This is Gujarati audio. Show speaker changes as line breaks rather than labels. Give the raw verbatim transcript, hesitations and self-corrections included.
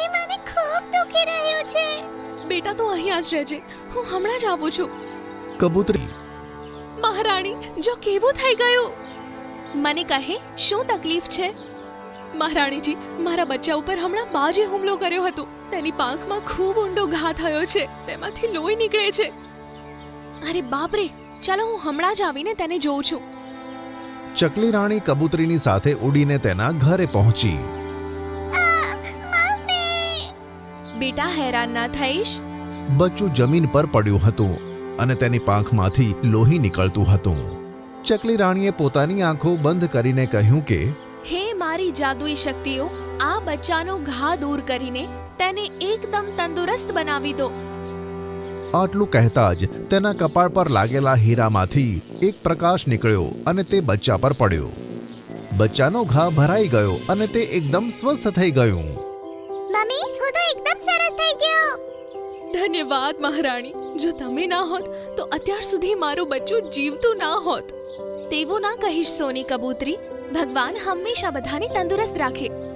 મમ્મી મને ખૂબ દુખી રહ્યું છે.
બેટા તો અહીંયા જ રહેજે, હું હમણાં જ આવું છું.
કબૂતરી
મહારાણી, જો કેવું થઈ ગયું. મને કહે શું તકલીફ છે? મહારાણીજી, મારા બચ્ચા ઉપર હમણાં બાજે હુમલો કર્યો હતો. તેની પાંખમાં ખૂબ ઊંડો ઘા થયો છે, તેમાંથી લોહી નીકળે છે. અરે બાપ રે, ચાલો હું હમણાં જ આવીને તેને જોઉં છું.
ચકલી રાણી કબૂતરીની સાથે ઉડીને તેના ઘરે પહોંચી.
બેટા હેરાન ના થઈશ.
બચ્ચું જમીન પર પડ્યું હતું અને તેની પાંખમાંથી લોહી નીકળતું હતું. ચકલી રાણીએ પોતાની આંખો બંધ કરીને કહ્યું કે
હે મારી જાદુઈ શક્તિઓ, આ બચ્ચાનો ઘા દૂર કરીને તેને એકદમ તંદુરસ્ત બનાવી દો.
આટલું કહેતા જ તેના કપાળ પર લાગેલા હીરામાંથી એક પ્રકાશ નીકળ્યો અને તે બચ્ચા પર પડ્યો. બચ્ચાનો ઘા ભરાઈ ગયો અને તે એકદમ સ્વસ્થ થઈ ગયું.
મમ્મી, હું તો એકદમ સરસ થઈ ગયો.
ધન્યવાદ મહારાણી. જો તમે ના હોત તો અત્યાર સુધી મારું બચ્ચું જીવતું ના હોત. તેવું ના કહીશ સોની કબૂતરી. ભગવાન હંમેશા બધાને તંદુરસ્ત રાખે.